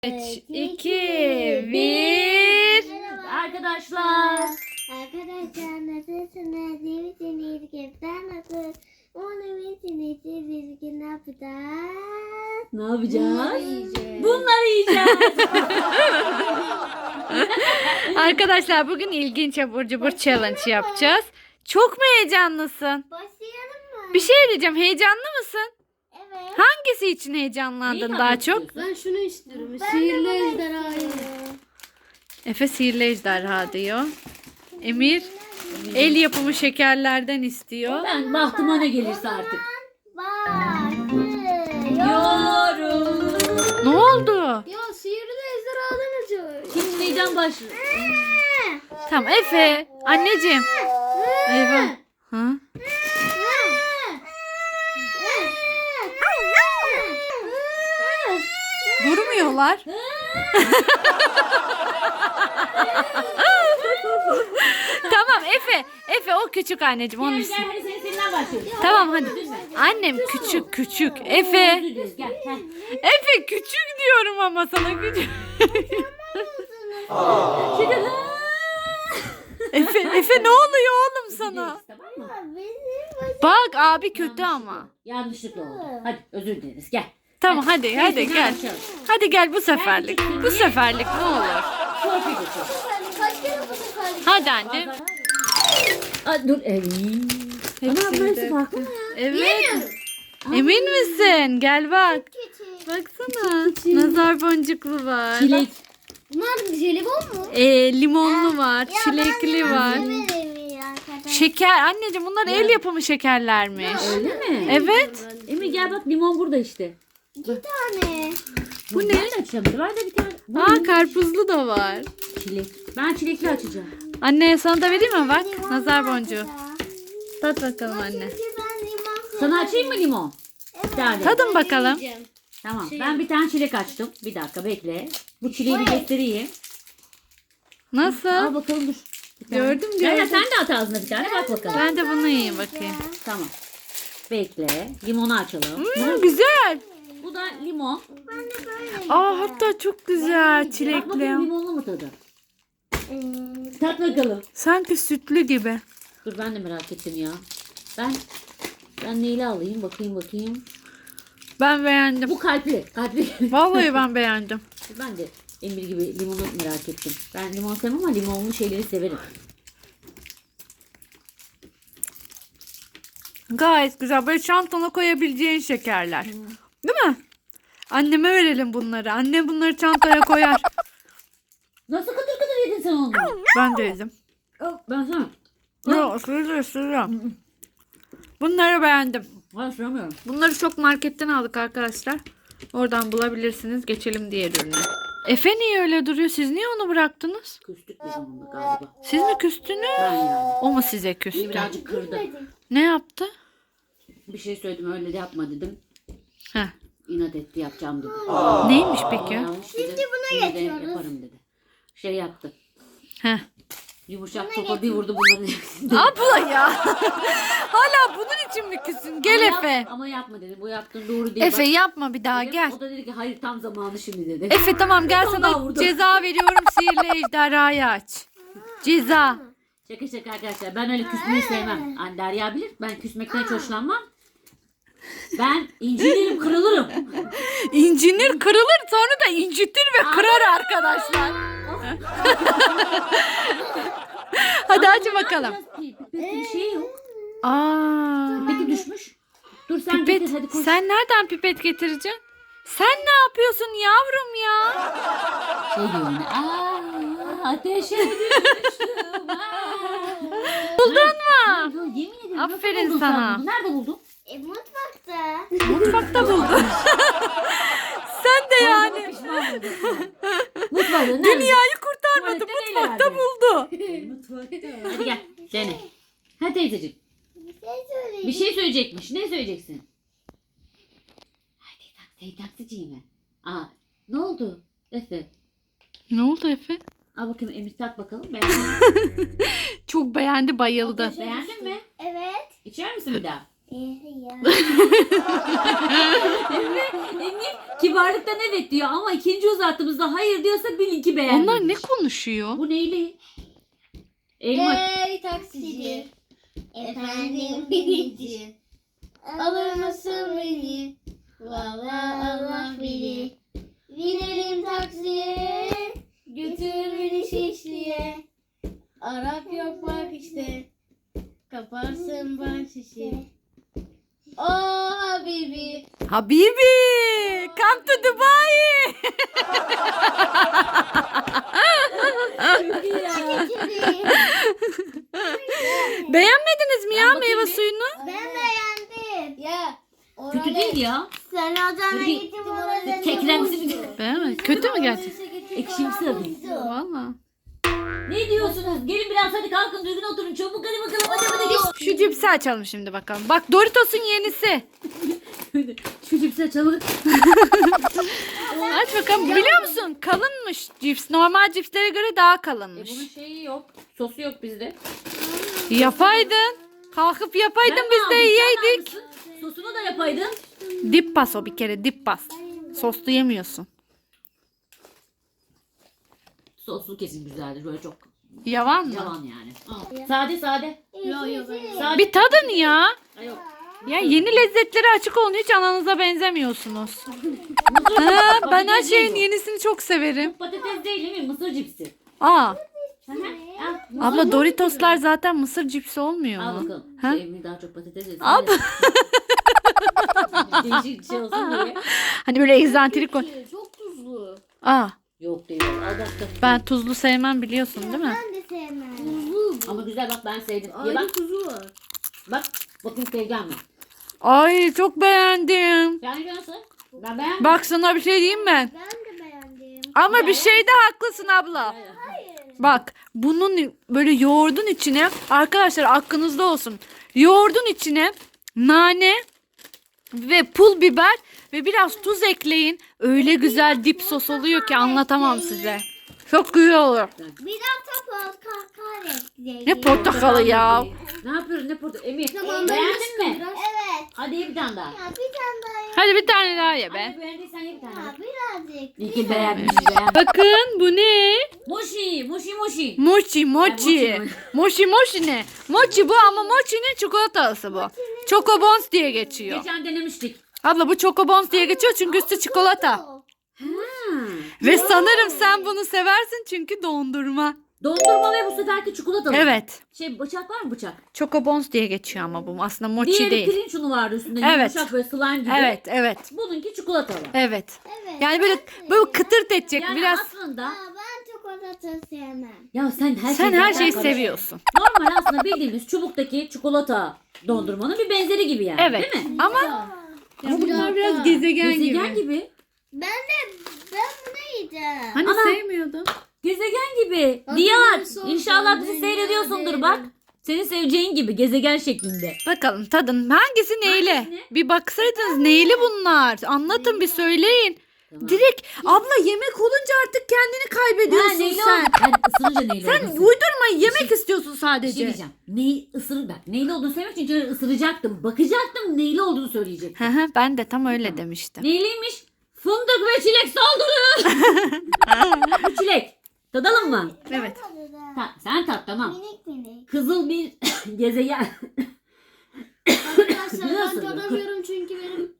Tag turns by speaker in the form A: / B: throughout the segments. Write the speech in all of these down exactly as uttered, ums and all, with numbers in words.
A: üç, iki, bir.
B: Arkadaşlar.
C: Arkadaşlar nasılsınız? İyi misiniz? Kepten nasıl? Onu misiniz? Biz bugün ne yapacağız?
B: Ne yapacağız?
C: Yiyeceğiz.
B: Bunları yiyeceğiz.
A: Arkadaşlar bugün ilginç abur cubur challenge yapacağız. Çok mu heyecanlısın?
C: Başlayalım mı?
A: Bir şey diyeceğim. Heyecanlı mısın?
C: Evet.
A: Hangisi için heyecanlandın
B: Neyi
A: daha
B: yapmak
A: çok?
B: istiyorsun?
D: Ben şunu istiyorum.
C: Ben
D: Sihirli
C: de bunu
D: ejderhayı.
C: istiyorum.
A: Efe sihirli ejderha diyor. Emir el yapımı şekerlerden istiyor.
B: Ben bahtıma ne gelirse artık.
C: Başlıyor.
B: Yorum.
A: Ne oldu?
D: Ya sihirli ejderhadan acıyor.
B: Şimdi neyden başlıyor?
A: Tamam Efe. Anneciğim. Eyvah. Ha? Durmuyorlar. Tamam Efe. Efe o küçük anneciğim onun
B: Gel
A: için.
B: gel hadi senin seninden başlıyoruz.
A: Tamam hadi. Annem küçük küçük. Efe.
B: Özür dileriz, Gel gel.
A: Efe küçük diyorum ama sana küçük. Efe Efe ne oluyor oğlum sana?
B: Tamam mı?
A: Bak abi kötü ama.
B: Yanlışlıkla oldu. Hadi özür dileriz gel.
A: Tamam hadi hadi
B: Neyse,
A: gel.
B: başlayalım.
A: Hadi gel bu seferlik. Bu seferlik ne olur.
B: Torpil geçiyor.
C: Kaç kere bu kadar?
A: Hadi anne.
B: Aa, dur. Ey. Ama
A: Hepsini
B: burası
A: de-
B: farklı mı?
A: Evet. Emin misin? Gel bak.
C: Küçük.
A: Baksana. Nazar boncuklu var.
B: Çilek.
D: Bunlar jelibon mu?
A: Ee, limonlu var. Çilekli var.
C: Severim ya arkadaşlar.
A: Şeker. Anneciğim bunlar el yapımı şekerlermiş.
B: Öyle mi?
A: Evet.
B: Emir gel bak limon burada işte.
C: İki tane.
A: Bu ne?
B: Ben de açacağım. Var da bir tane. Bu
A: Aa
B: ne?
A: karpuzlu da var.
B: Çilek. Ben çilekli açacağım.
A: Anne sana da vereyim mi bak?
C: Limon
A: Nazar
C: var
A: boncuğu.
C: ya.
A: Tat bakalım anne.
C: Çünkü ben limon
B: Sana
C: severim.
B: açayım mı limon? Bir tane.
A: Tadın bakalım.
D: Yiyeceğim.
B: Tamam.
D: Şey
B: Ben bir tane çilek açtım. Bir dakika bekle. Bu çileği bir göstereyim. Al
A: Nasıl?
B: bakalım dur. Bir tane.
A: Gördüm,
B: Gel,
A: gördüm.
B: sen de at ağzına bir tane bak bakalım.
A: Ben de bunu yiyeyim bakayım.
B: Tamam. Bekle. Limonu açalım.
A: Hmm, güzel.
B: Bu da limon.
C: Ben de böyle.
A: Aa hatta çok güzel
B: Bak
A: çilekli.
B: bakalım limonlu mu tadı?
C: Ee,
B: Tat bakalım.
A: Sanki sütlü gibi.
B: Dur ben de merak ettim ya. Ben ben neyle alayım bakayım bakayım.
A: Ben beğendim.
B: Bu kalpli. Kalpli.
A: Vallahi ben beğendim.
B: Ben de Emir gibi limonu merak ettim. Ben limon sevmem ama limonlu şeyleri severim.
A: Gayet güzel. Böyle çantana koyabileceğin şekerler. Değil mi? Anneme verelim bunları. Annem bunları çantaya koyar.
B: Nasıl kıtır kıtır yedin sen onu?
A: Ben de yedim.
B: Ben sana.
A: Yok ısırıyorum ısırıyorum. Bunları beğendim.
B: Ben ısıramıyorum.
A: Bunları çok marketten aldık arkadaşlar. Oradan bulabilirsiniz. Geçelim diğer ürüne. Efe niye öyle duruyor? Siz niye onu bıraktınız?
B: Küstük biz onunla galiba.
A: Siz mi küstünüz?
B: Ben yani.
A: O mu size
B: Beni
A: küstü?
B: birazcık kırdı.
A: Ne yaptı?
B: Bir şey söyledim öyle de yapma dedim.
A: Heh.
B: İnat etti yapacağım dedi.
A: Neymiş peki?
B: Yanlış dedi.
C: Şimdi buna
B: Yine de
C: geçiyoruz.
B: yaparım dedi. Şey yaptı.
A: Heh.
B: Yumuşak topa bir vurdu bunların hepsini.
A: Abla ya. Hala bunun için mi küsün? Gel
B: Ama yap-
A: Efe.
B: Ama yapma dedi. Bu yaptığın doğru değil.
A: Efe
B: Bak,
A: yapma bir daha
B: dedim.
A: gel.
B: O da dedi ki hayır tam zamanı şimdi dedi.
A: Efe tamam gel
B: Vallahi
A: sana
B: vurdu.
A: ceza veriyorum. Sihirli ejderhayı aç. Ceza.
B: Şaka şaka arkadaşlar. Ben öyle küsmeyi sevmem. Hani Derya bilir. Ben küsmekten hiç hoşlanmam. Ben incinirim kırılırım.
A: İncinir kırılır sonra da incitir ve kırar arkadaşlar. Hadi
B: Ama
A: aç
B: ne
A: bakalım.
B: yapacağız ki? Pipette bir şey yok.
A: Aa.
B: Pipeti düşmüş. Dur sen
A: Pipet.
B: getir hadi koş.
A: Sen nereden pipet getireceksin? Sen ne yapıyorsun yavrum ya?
B: Şey diyor yine. Aa, ateşe düştüm. Aa.
A: Buldun mu?
B: Yo, yemin ederim. nasıl
A: Aferin
B: buldun sen
A: sana.
B: bunu? Nerede buldun?
C: E, mutfakta.
A: Mutfakta buldun. Sen de yani.
B: Pişman oldum. Mutfakta. Nerede?
A: Dünyayı kurtarmadı.
B: Tuvalette neyle
A: Mutfakta
B: verdin?
A: buldu.
B: Mutfakta. Hadi gel. Dene. Hadi teyzeciğim.
C: Bir şey söyleyeyim.
B: Bir şey söyleyecekmiş. Ne söyleyeceksin? Hadi taksi, taksici mi? Aa, ne oldu? Efe.
A: Ne oldu Efe?
B: Al bakayım Emir tat bakalım. Beğendin mi?
A: Çok beğendi, bayıldı.
B: Beğendin mi?
C: Evet.
B: İçer misin bir daha?
C: Eh ya.
B: Emmi kibarlıktan evet diyor ama ikinci uzattığımızda hayır diyorsa bilin ki beğenmemiş.
A: Onlar ne konuşuyor?
B: Bu neyli? Elma.
D: Ey taksici.
C: Efendim binici.
D: Alır mısın beni? Valla Allah bilir. Binelim taksiye. Götür beni Şişli'ye. Arap yok bak işte. Kaparsın bak şişi. Oh Habibi.
A: Habibi, come to Dubai.
B: Çok iyi ya.
A: Beğenmediniz mi ya
B: Ben bakayım
A: meyve
B: bir.
A: suyunu?
C: Ben beğendim.
D: Ya.
B: Kötü değil ya.
C: Sen odana
B: Peki,
C: gittim orada.
B: kekremsi bir
A: Beğenmedin. Kötü mü gerçekten?
B: ekşimsi tadı.
A: Valla.
B: Ne diyorsunuz? Gelin biraz hadi kalkın düzgün oturun. Çabuk hadi bakalım hadi hadi hadi.
A: Şu cipsi açalım şimdi bakalım. Bak Doritos'un yenisi.
B: Şu cipsi açalım.
A: Aç bakalım. Biliyor musun? Kalınmış cips. Normal cipslere göre daha
B: E
A: kalınmış.
B: bunun şeyi yok. Sosu yok bizde.
A: Yapaydın. Kalkıp yapaydın
B: Ben mi
A: biz de
B: aldım, sen
A: yiyeydik.
B: almışsın. Sosunu da yapaydın.
A: Dip pas o bir kere dip pas. Soslu yemiyorsun.
B: Soslu kesin güzeldir. Böyle çok
A: Yavan mı?
B: yalan yani. Al. Sade sade.
D: Yok yok.
B: Sade.
A: Bir tadın ya.
B: Ay yok.
A: Ya yeni lezzetlere açık olun. Hiç ananıza benzemiyorsunuz.
B: Mısır
A: Ha,
B: cipsi.
A: ben her
B: Patates
A: şeyin
B: değil
A: yenisini çok severim.
B: bu. Patates değil değil mi? Mısır cipsi.
A: Aa,
B: Hı hı. Al, mısır
A: abla
B: cipsi.
A: Doritoslar zaten mısır cipsi olmuyor
B: Al
A: mu?
B: bakalım.
A: Ha?
B: Şey, Emmi daha çok patates yesin.
A: Ab-
B: de. Değişik bir şey olsun diye.
A: Hani böyle egzantrik ol.
D: Çok tuzlu.
A: Aa,
B: Yok değil. Al bak.
A: ben tuzlu sevmem biliyorsun değil mi?
C: Ben de sevmem.
D: Tuzlu.
B: Ama güzel bak ben sevdim. Ye
D: Ayrı
B: bak.
D: tuzu var.
B: Bak. Bakın seveceğim mi?
A: Ay çok beğendim.
B: Yani nasıl? Ben beğendim.
A: Bak sana bir şey diyeyim mi?
C: Ben de beğendim.
A: Ama bir şeyde haklısın abla. Bak bunun böyle yoğurdun içine arkadaşlar aklınızda olsun. Yoğurdun içine nane ve pul biber ve biraz tuz ekleyin. Öyle güzel dip sos oluyor ki anlatamam size. Çok güzel olur.
C: Bir hafta portakal ekleyin.
A: Ne portakalı ya.
B: Ne yapıyoruz ne portakal? Emir
D: Tamam, ben
B: beğendin mi?
D: biraz-
C: Evet.
B: Hadi ye bir tane daha.
C: Ya bir tane daha yap.
A: Hadi bir tane daha ye be.
B: Hadi beğendiysen ye bir tane.
C: Ha, birazcık.
B: İyi ki beğenmiş beğenmiş.
A: Bakın bu ne?
B: Moşi, moşi moşi.
A: Mochi mochi.
B: mochi.
A: Mochi mochi ne? Mochi bu ama mochi'nin çikolatası bu. Chocobons diye geçiyor.
B: Geçen denemiştik.
A: Abla bu Chocobons diye geçiyor çünkü üstü çikolata.
B: Hmm.
A: Ve sanırım sen bunu seversin çünkü dondurma.
B: Dondurma ve bu seferki çikolatalı.
A: Evet.
B: Şey bıçak var mı bıçak?
A: Chocobons diye geçiyor ama bu aslında mochi
B: Diğeri
A: değil.
B: pirinç unu vardı üstünde.
A: Evet.
B: Yumuşak böyle slime gibi.
A: Evet, evet.
B: Bununki çikolatalı.
A: Evet.
C: Evet.
A: Yani böyle böyle kıtırt edecek
B: Yani
A: biraz.
B: aslında
C: Aa, ben çikolata sevmem.
B: ya sen her
A: Sen
B: şeyi
A: her
B: zaten
A: şeyi
B: karıştırdın.
A: seviyorsun.
B: Normal aslında bildiğimiz çubuktaki çikolata dondurmanın bir benzeri gibi yani.
A: Evet.
B: Değil mi?
A: Ama
D: Ama
A: bunlar biraz gezegen,
B: Gezegen
A: gibi.
B: gibi.
C: Ben de ben bunu yiyeceğim.
A: Hani
B: Ana.
A: sevmiyordun?
B: Gezegen gibi.
D: Hadi
B: Diyar.
D: nasıl
B: İnşallah
D: olsun,
B: bizi
D: dünya
B: seyrediyorsundur
D: devrim.
B: bak. Senin seveceğin gibi gezegen şeklinde.
A: Bakalım tadın hangisi neyle?
B: Hangisi?
A: Bir baksaydınız neyli bunlar? Anlatın bir söyleyin.
B: Tamam.
A: Direkt abla yemek olunca artık kendini kaybediyorsun
B: Ha, neyle
A: sen.
B: oldu? Ben ısırınca neyle
A: Sen
B: olduğunu
A: uydurma yemek istiyorsun
B: Bir şey
A: sadece.
B: diyeceğim. Neyi ısırır bak. Neyle olduğunu söylemek için içeri ısıracaktım. Bakacaktım neyle olduğunu söyleyecektim.
A: Hı hı, ben de tam öyle demiştim.
B: Neyliymiş? Fındık ve çilek saldırı. Bu çilek. Tadalım mı?
A: Evet.
B: Ta- sen tat tamam.
C: Minik minik.
B: Kızıl bir gezegen.
D: Arkadaşlar ben
B: Biliyorsun.
D: tadamıyorum çünkü benim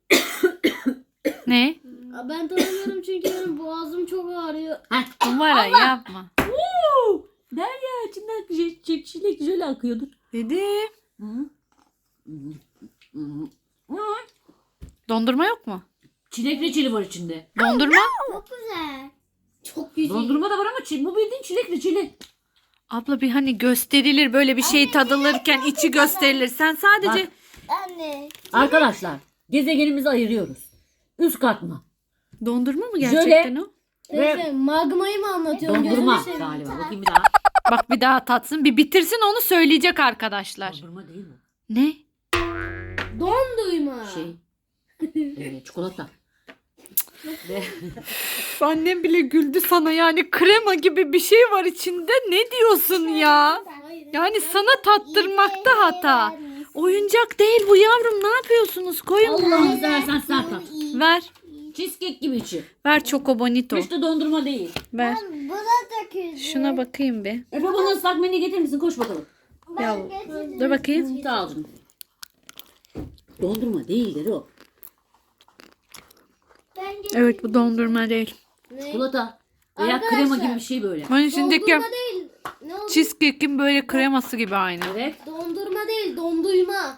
A: Ne?
D: ben tadamıyorum çünkü benim boğazım çok ağrıyor.
B: Heh.
A: Numara yapma.
B: Woo! Derya içinden j- j- çilek jöle akıyordur.
A: Dedim.
B: Hı. Hı. Hı. Hı.
A: Dondurma yok mu?
B: Çilek reçeli var içinde.
A: Dondurma?
C: Çok güzel.
D: Çok güzel.
B: Dondurma da var ama çi- bu bildiğin çilek reçeli.
A: Abla bir hani gösterilir böyle bir şey tadılırken içi gösterilir. Sen sadece
B: Bak.
C: Anne.
B: Arkadaşlar gezegenimizi ayırıyoruz. Üst katma.
A: dondurma mı
B: Jöle.
A: gerçekten o?
D: Teyze magmayı mı anlatıyorsun?
B: Dondurma
D: Gözünü seveyim.
B: galiba. Bakayım bir daha.
A: Bak bir daha tatsın. Bir bitirsin onu söyleyecek arkadaşlar.
B: Dondurma değil mi?
A: Ne?
D: Dondurma.
B: Şey. Evet, çikolata. Ve
A: Üf, annem bile güldü sana yani krema gibi bir şey var içinde. Ne diyorsun ya?
D: Hayır.
A: Yani sana tattırmakta hata. Oyuncak değil bu yavrum. Ne yapıyorsunuz? Koyun.
B: Allah'ını seversen sen tat.
A: Ver.
B: Cheesecake gibi içi.
A: Ver Choco Bonito.
B: Hiç de dondurma değil.
A: Ver.
C: Buna da küzdüm.
A: Şuna bakayım bir.
B: Efe bana ıslak mendil getirir misin? Koş bakalım.
A: Ya, dur bakayım.
B: Sağ ol canım. Dondurma değildir o.
C: Ben
A: Evet bu dondurma değil.
B: Çikolata. Veya krema gibi bir şey böyle.
A: Onun içindeki
D: Dondurma değil. Ne oldu?
A: cheesecake'in böyle kreması gibi aynı.
B: Evet.
D: Dondurma değil, dondurma.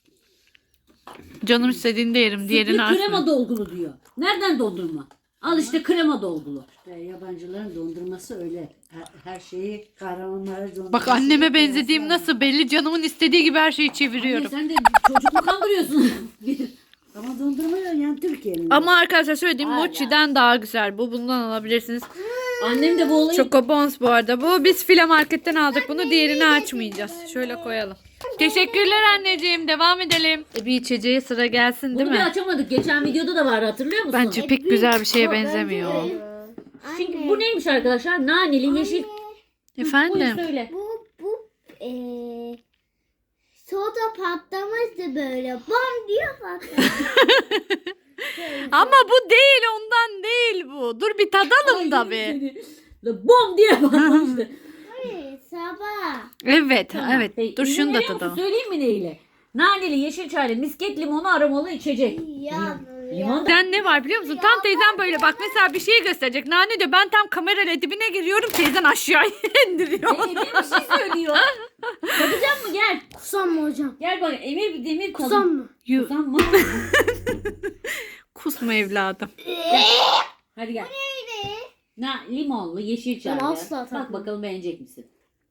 A: Canım istediğinde yerim. Diğerini
B: Sütlü krema
A: açma.
B: dolgulu diyor. Nereden dondurma? Al işte krema dolgulu.
E: İşte yabancıların dondurması öyle. Her, her şeyi kahramanlara dondurması.
A: Bak anneme benzediğim nasıl belli. Canımın istediği gibi her şeyi
B: Anne,
A: çeviriyorum.
B: sen de çocuk mu kandırıyorsun?
E: Ama dondurma ya yani Türkiye'nin.
A: Ama arkadaşlar söylediğim
B: Hala.
A: mochi'den daha güzel. Bu bundan alabilirsiniz.
B: Annem de bu olayı...
A: Choco Bones bu arada. Bu biz file marketten aldık bunu. Diğerini açmayacağız. Şöyle koyalım. Teşekkürler anneciğim. Devam edelim. E, bir içeceğe sıra gelsin değil
B: Bunu bir
A: mi?
B: açamadık. Geçen videoda da vardı, hatırlıyor musun?
A: Bence pek güzel bir şeye benzemiyor.
B: Çünkü bu neymiş arkadaşlar? Naneli yeşil. Buyur
A: Efendim?
B: söyle.
C: Bu bu eee soda patlamıştı böyle. Bam diye patladı.
A: Ama bu değil ondan değil bu. Dur bir tadalım da bir.
B: bir. Bom diye patlamıştı.
C: Hayır, sabah.
A: Evet
B: Tamam.
A: evet.
B: Hey,
A: Dur
B: izin
A: şunu da
B: veriyor musun?
A: tadalım.
B: Söyleyeyim mi neyle? Naneli, yeşil çaylı, misket limonu aromalı içecek.
C: Ya,
B: Limon da...
A: Sen ne var biliyor musun? Tam teyzen böyle bak mesela bir şey gösterecek. Nane diyor ben tam kamerayla dibine giriyorum. Teyzen aşağı indiriyor.
B: Emir bir şey söylüyor. Tadacak mı? Gel.
D: Kusam mı hocam?
B: Gel bak Emir bir demir tadı.
D: Kusam mı?
A: Yu-
B: Kusam mı?
A: Kusma evladım.
B: Hadi gel. Na, limonlu, yeşil çaylı.
D: Ben asla
B: Bak
D: tatmam.
B: bakalım beğenecek misin?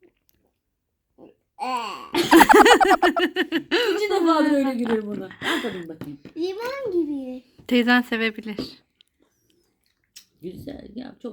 C: Eee,
B: İkinci defadır öyle gülüyorum ona. Ben tadayım bakayım.
C: limon gibi.
A: Teyzen sevebilir.
B: Güzel ya, çok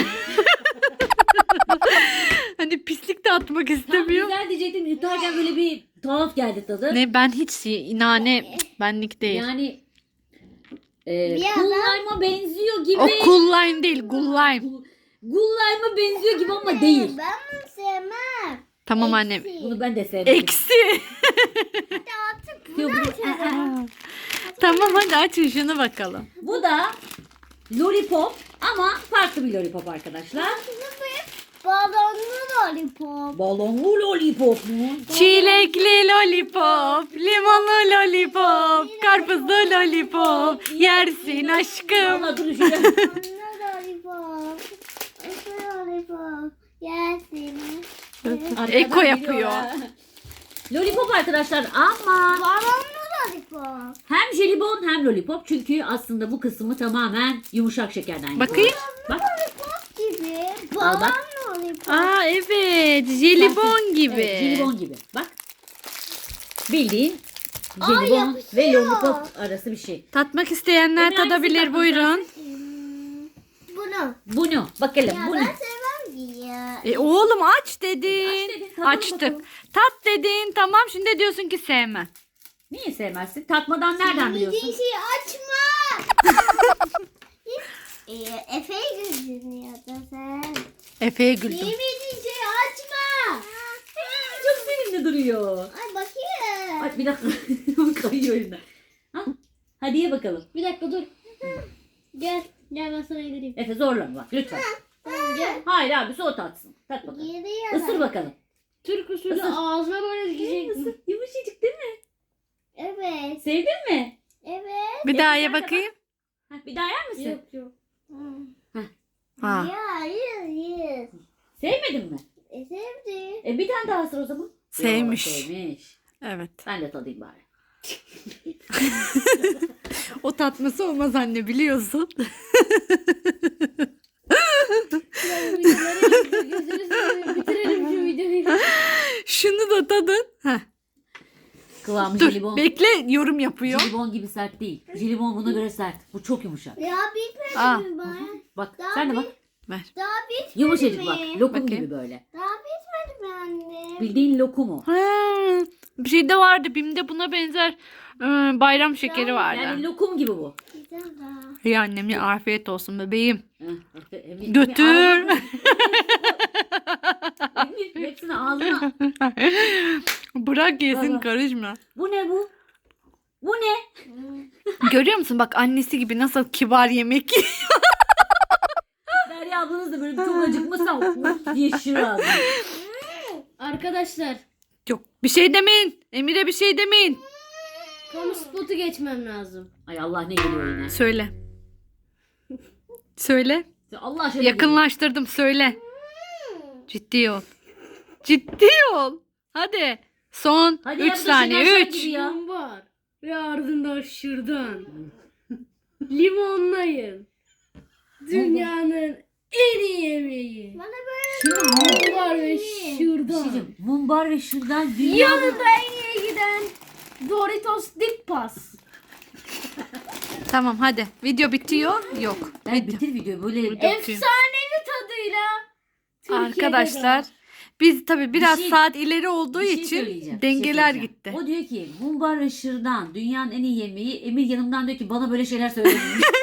A: Hani pislik de atmak
B: Tam
A: istemiyor.
B: güzel diyecektim. Yutarken böyle bir tuhaf geldi tadı.
A: Ne ben hiç nane benlik değil.
B: Yani e,
C: Ya
B: cool
C: ben-
B: lime'a benziyor gibi.
A: O cool lime değil cool lime.
B: Cool cool lime'a benziyor gibi ama değil.
C: Ben bunu sevmem.
A: Tamam annem.
C: Eksi.
B: Bunu ben de sevmedim.
A: Eksi.
C: Artık
B: Yok,
C: bunu
B: bu-
C: açalım.
A: Tamam hadi açın şunu bakalım.
B: Bu da lollipop ama farklı bir lollipop arkadaşlar.
C: Balonlu lollipop.
B: Balonlu lollipop mu?
A: Çilekli lollipop, limonlu lollipop, karpuzlu lollipop, yersin aşkım.
B: Valla dur şöyle.
C: Balonlu lollipop. Balonlu lollipop. Yersin.
B: Arkadan
A: Eko
B: geliyor
A: yapıyor.
B: ha. Lollipop arkadaşlar ama
C: Balonlu lollipop.
B: hem jelibon hem lollipop. Çünkü aslında bu kısmı tamamen yumuşak şekerden yapılıyor.
A: Bakayım.
B: Bak.
C: Lollipop gibi.
B: Al bak.
C: Balon lollipop.
A: Aa evet jelibon gibi.
B: Evet, jelibon gibi. Bak. Bildiğin
C: Aa,
B: jelibon
C: yapışıyor.
B: ve lollipop arası bir şey.
A: Tatmak isteyenler
B: Emre, hangisini
A: tadabilir
B: tatmak
A: buyurun.
C: Hmm, Bunu.
B: Bunu bakalım
C: Ya
B: bunu.
C: ben sevmem ki ya.
A: E oğlum aç dedin.
B: Aç dedin, tadalım
A: Açtık.
B: bakalım.
A: Tat dedin tamam şimdi diyorsun ki sevmem.
B: Niye sevmezsin? Tatmadan nereden biliyorsun?
C: Yediğin şeyi açma. Ee, Efe'yi gözünü ya da sen.
A: Efe'ye güldüm.
C: Yemediğin şeyi açma.
B: Çok sevimli duruyor.
C: Ay bakayım.
B: Bak bir dakika. Kayıyor elinden. Ha? Hadi ye bakalım.
D: Bir dakika dur. Gel. Gel ben sana yedireyim.
B: Efe zorlama bak lütfen.
C: Tamam gel.
B: Hayır abi o tatsın. Tat bakalım.
C: Yedi ya.
B: Isır bakalım.
D: Türk usulü
B: Isır.
D: ağzına böyle dikeceksin.
B: Isır. Yumuşacık değil mi?
C: Evet.
B: Sevdin mi?
C: Evet.
A: Bir daha ye
B: sen de
A: bakayım.
B: Ha, bir daha yer misin?
D: Yok yok.
A: Ha.
C: Ya hayır hayır.
B: Sevmedin mi?
C: E sevdi.
B: E bir tane daha ısır o zaman.
A: Sevmiş.
B: Yo, sevmiş.
A: Evet.
B: Ben de tadayım bari.
A: O tatması olmaz anne biliyorsun.
D: Gözünü seveyim. Bitirelim şu videoyu.
A: Şunu da tadın. Heh.
B: Kıvamı
A: Dur
B: jelibon.
A: bekle yorum yapıyor.
B: Jelibon gibi sert değil. Jelibon buna göre sert. Bu çok yumuşak.
C: Ya bitmedi
A: Aa.
C: mi bana?
B: Bak
C: Daha
B: sen de
C: bir-
B: bak.
A: Ver.
C: Daha bitmedi
B: Yumuşacık
C: mi?
B: bak. Lokum
A: Bakayım.
B: gibi böyle.
C: Daha bitmedi mi anne?
B: Bildiğin lokum o.
A: Ha, bir şey de vardı. Bim'de buna benzer e, bayram şekeri vardı.
B: Yani lokum gibi bu.
C: Bir daha.
A: İyi annem ya afiyet olsun bebeğim.
B: Heh, Emir-
A: Götür.
B: Emir, Emir, hepsini ağzına.
A: Bırak yesin
B: Baba.
A: karışma.
B: Bu Bu ne bu? Bu ne?
A: Görüyor musun? Bak annesi gibi nasıl kibar yemek yiyor.
B: Derya ablanız da böyle çok acıkmasa uf diye şişirir ağzını.
D: Arkadaşlar
A: Yok bir şey demeyin. Emir'e bir şey demeyin.
D: kamu spotu geçmem lazım.
B: Ay Allah ne geliyor yine.
A: Söyle. Söyle.
B: Allah aşkına
A: Yakınlaştırdım söyle. Ciddi ol. Ciddi ol. Hadi. Son
B: Hadi
A: üç
B: ya, bu da
A: saniye.
B: Şener Şen
A: üç.
B: gibi ya.
D: Mumbar ve ardından şırdan. Limonlayın. Dünyanın en iyi yemeği.
C: Bana böyle
B: Şimdi
D: Mumbar ve
B: bir şey
D: şırdan.
B: diyeceğim. Mumbar ve şırdan dünyanın...
D: Yanında en iyi giden Doritos Dik Pas.
A: Tamam hadi. Video bitiyor. Yok.
B: Ben
A: Video.
B: bitir videoyu böyle.
D: Efsanevi tadıyla. Türkiye'de
A: Arkadaşlar
D: de.
A: biz tabii biraz
B: şey-
A: saat ileri olduğu
B: Bir şey
A: için
B: söyleyeceğim, bir şey
A: dengeler
B: söyleyeceğim.
A: gitti.
B: O diyor ki mumbar ve şırdan dünyanın en iyi yemeği. Emir yanımdan diyor ki bana böyle şeyler söylemeyin.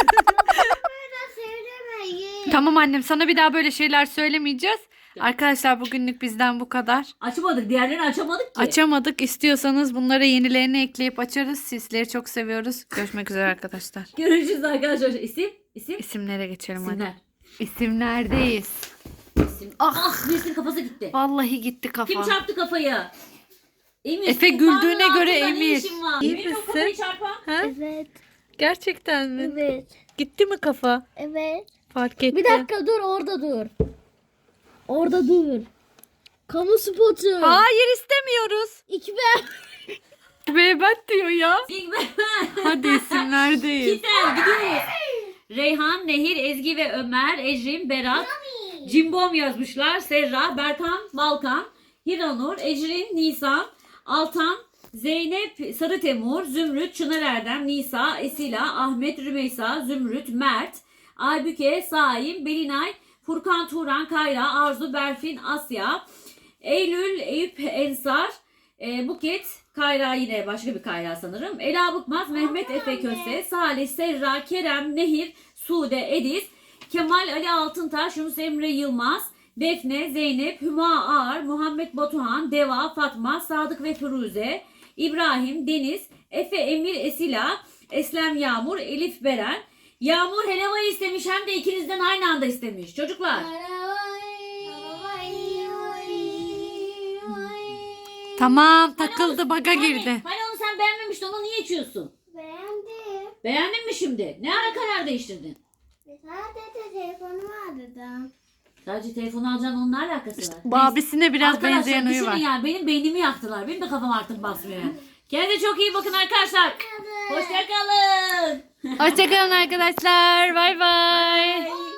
C: söylemeyin.
A: Tamam annem sana bir daha böyle şeyler söylemeyeceğiz. Arkadaşlar bugünlük bizden bu kadar.
B: Açamadık. Diğerlerini açamadık ki.
A: Açamadık. İstiyorsanız bunlara yenilerini ekleyip açarız. Sizleri çok seviyoruz. Görüşmek üzere arkadaşlar.
B: Görüşürüz arkadaşlar. İsim? İsim?
A: İsimlere geçelim
B: İsimler.
A: hadi. İsimlerdeyiz.
B: İsim. Ah birisinin kafası gitti.
A: Vallahi gitti kafa.
B: Kim çarptı kafayı? Emir.
A: Efe
B: kulağının
A: güldüğüne göre
B: altında ne
A: Emir.
B: işin var?
A: İyi
B: Emir'in o
A: misin?
B: kafayı çarpan.
A: Ha?
C: Evet.
A: Gerçekten mi?
C: Evet.
A: Gitti mi kafa?
C: Evet.
A: Fark etti.
D: Bir dakika dur orada dur. Orada dur. Kamu spotu.
A: Hayır istemiyoruz.
D: İki ben.
A: Beybet diyor ya.
B: Big Bang.
A: Hadi isimlerdeyiz.
B: Güzel gidiyoruz. Reyhan, Nehir, Ezgi ve Ömer, Ecrin, Berat, Cimbom yazmışlar. Serra, Berkan, Balkan, Hiranur, Ecrin, Nisan, Altan, Zeynep, Sarı Temur, Zümrüt, Çınar Erdem, Nisa, Esila, Ahmet, Rümeysa, Zümrüt, Mert, Aybüke, Saim, Belinay, Furkan, Turan, Kayra, Arzu, Berfin, Asya, Eylül, Eyüp, Ensar, e, Buket, Kayra yine başka bir Kayra sanırım. Ela Bıkmaz, Mehmet Efe Köse, Salih, Serra, Kerem, Nehir, Sude, Ediz, Kemal Ali Altıntaş, Yunus Emre Yılmaz, Defne, Zeynep, Hüma Ağar, Muhammed Batuhan, Deva, Fatma, Sadık ve Firuze, İbrahim, Deniz, Efe, Emir, Esila, Eslem Yağmur, Elif Beren. Yağmur helvayı istemiş hem de ikinizden aynı anda istemiş. Çocuklar.
A: Tamam takıldı baga girdi.
B: Hani, hani onu sen beğenmemiştin onu niye içiyorsun?
C: Beğendim.
B: Beğendin mi şimdi? Ne ara karar değiştirdin?
C: Sadece telefonumu aradım.
B: Sadece telefonu alacaksın onunla alakası var.
A: Bu abisine biraz
B: Arkadaşlar,
A: benzeyen huyu
B: düşünün
A: var.
B: yani benim beynimi yaktılar. Benim de kafam artık basmıyor yani. Kendinize çok iyi bakın arkadaşlar. Hoşçakalın.
A: Hoşçakalın arkadaşlar. Bay bay.
B: Bye.